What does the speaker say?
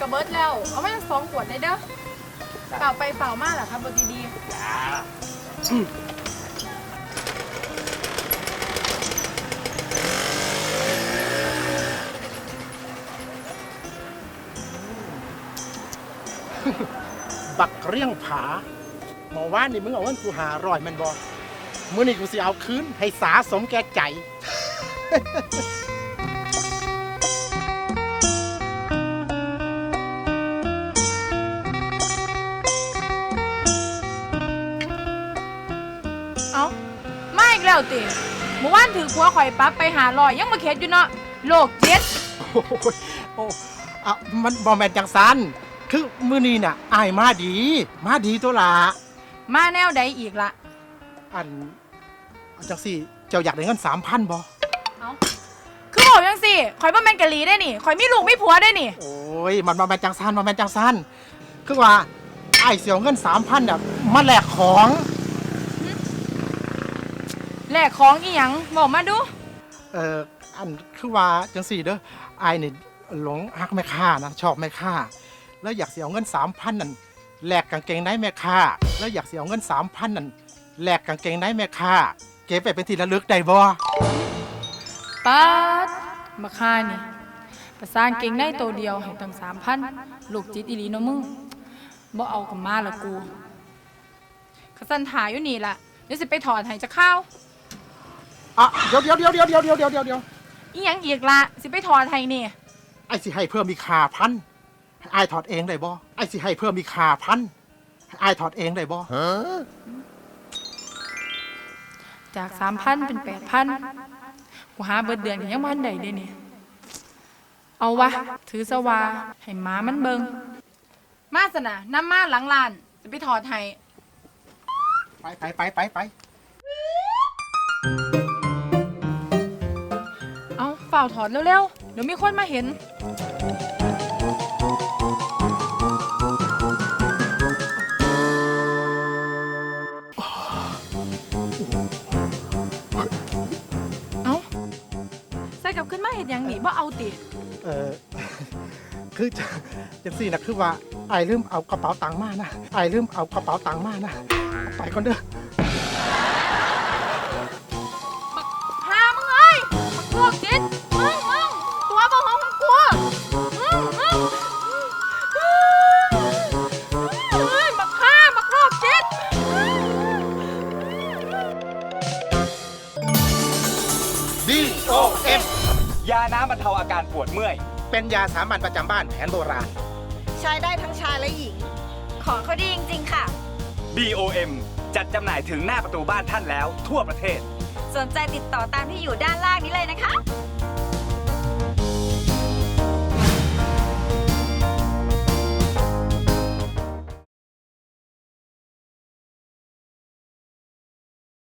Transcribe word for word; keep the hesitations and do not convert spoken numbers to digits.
เบิร์ดแล้วเอาไม่ต้องสองขวดเลยเด้อเปล่าไปเปล่ามากเหรอครับบดีดีจ้าบักเรี่ยงผาหมอว่านนี่มึงเอาเงินกูหาร่อยมันบอมื่อนี่กูสิเอาคืนให้สาสมแก่ใจเอามาอีกแล้วติเมื่อวานถือผัวข่อยปั๊บไปหาลอยยังมาเข็ดอยู่เนาะโลกเจ็ดโอ้ยโอ้อะมันบอแมนจังสันคือมือนี้น่ะอายมาดี มาดีตัวละมาแนวใดอีกละอันจังสิเจ้าอยากได้เงินสามพันบอเอาคือบอกยังสิข่อยบ่แม่นกะหลีได้นี่ข่อยมีลูกมีผัวได้นี่โอ้ยมันบอแมนจังสันบอแมนจังสันคือว่าไอ้เสียวเงินสามพันเนี่ยมาแลกของแลกของอีหยังบอกมาดูเอ่ออันคือว่าจังสี่เด้อไอ้นี่หลงฮักแม่ค้านะชอบแม่ค้าแล้วอยากเสียเงินสามพันนั่นแลกกางเกงในแม่ค้าแล้วอยากเสียเงินสามพันนั่นแลกกางเกงในแม่ค้าเก็บไปเป็นที่ระลึกได้บ่ป๊าดมาค่านี่ประสานเก่งในตัวเดียวให้ตั้งสามพันลูกจิตอีหลีเนาะมึงบ่เอากับมาละกูขสันถ่ายอยู่นี่ล่ะเดี๋ยวสิไปถอดให้จะเข้าอ่ะเดี๋ยวเดี๋ยวเดี๋ยวเดี๋ยวเดี๋ยวเดี๋ยวเดี๋ยวเดี๋ยวอีหยังอีกละสิไปถอดให้นี่ไอ้สิให้เพิ่มมีค่าพันไอ้ถอดเองได้บ่ไอ้สิให้เพิ่มมีค่าพันไอ้ถอดเองได้บ่จากสามพันเป็นแปดพันกูหาเบิดเดือนกันยังวันใดเด้นี่เอาวะถือสวาให้หมามันเบิงมาสนะน้ำมาหลังลานจะไปถอดให้ไปไปไปไปไปเอาเฝ้าถอดเร็วๆเดี๋ยวมีคนมาเห็นเอาใส่กลับขึ้นมาเห็นอย่างนี้บ่เอาติเออคือจังสี่นะคือว่าไอ้ลืมเอากระเป๋าตังค์มานะไอ้ลืมเอากระเป๋าตังค์มานะไปก่อนเด้อหามึงเอ้ยมึงพวกจิตมึงมึงตัวบ่ห้องมึงกลัวมึงมึงเฮ้ยบักฆ่าบักโรคจิตดี โอ เอ็มยาน้ำบรรเทาอาการปวดเมื่อยเป็นยาสามัญประจำบ้านแผนโบราณใช้ได้ทั้งชายและหญิงของเขาดีจริงๆค่ะบี โอ เอ็ม จัดจำหน่ายถึงหน้าประตูบ้านท่านแล้วทั่วประเทศสนใจติดต่อตามที่อยู่ด้านล่างนี้เลยนะคะ